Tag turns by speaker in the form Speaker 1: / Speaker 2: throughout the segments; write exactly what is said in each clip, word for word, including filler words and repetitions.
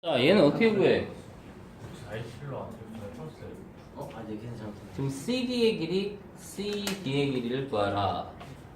Speaker 1: 자, 얘는 어떻게 구해?
Speaker 2: 아이실로 안 풀었어요.
Speaker 3: 어? 아, 네, 계산 잘못했네.
Speaker 1: 지금 씨디의 길이, 씨디의 길이를 구하라.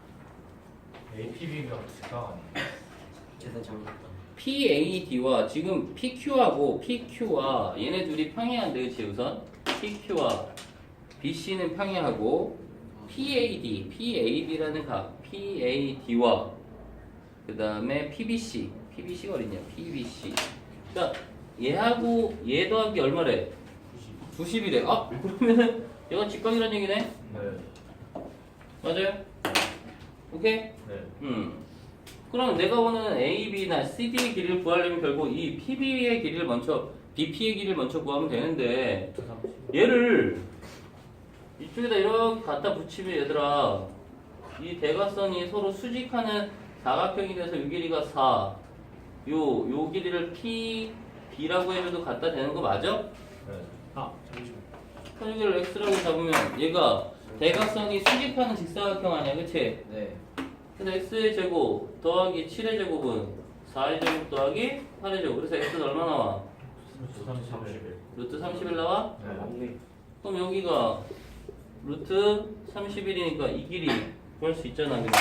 Speaker 2: 에이피비가 직각 아니에요?
Speaker 3: 계산 잘못했다.
Speaker 1: 피에이디와 지금 피큐하고 피큐와 얘네 둘이 평행한데, 그치, 우선? 피큐와 비씨는 평행하고 피에이디, 피에이디라는 각, 피에이디와 그 다음에 피비씨, 피비씨가 어딨냐? 피비씨. 자, 얘하고 얘 더하기 얼마래? 구십이래. 아, 그러면은 얘가 직각이란 얘기네?
Speaker 2: 네.
Speaker 1: 맞아요? 오케이?
Speaker 2: 네.
Speaker 1: 음. 그럼 내가 원하는 A, B나 C, D의 길이를 구하려면 결국 이 P, B의 길이를 먼저, B, P의 길이를 먼저 구하면 되는데 얘를 이쪽에다 이렇게 갖다 붙이면 얘들아 이 대각선이 서로 수직하는 사각형이 돼서 이 길이가 사, 요, 요 길이를 P, B라고 해줘도 갖다 대는 거 맞아?
Speaker 2: 네.
Speaker 3: 아, 잠시만.
Speaker 1: 그럼 여기를 X라고 잡으면 얘가 대각선이 수직하는 직사각형 아니야, 그치?
Speaker 3: 네.
Speaker 1: 그래서 x의 제곱 더하기 칠의 제곱은 사의 제곱 더하기 팔의 제곱. 그래서 x는 얼마 나와?
Speaker 2: 삼십일.
Speaker 1: 루트 삼십일 나와?
Speaker 2: 네.
Speaker 3: 맞네.
Speaker 1: 그럼 여기가 루트 삼십일이니까 이 길이 구할 수 있잖아, 그냥.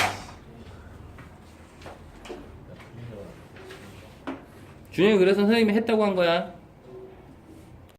Speaker 1: 준영이 그래서 선생님이 했다고 한 거야.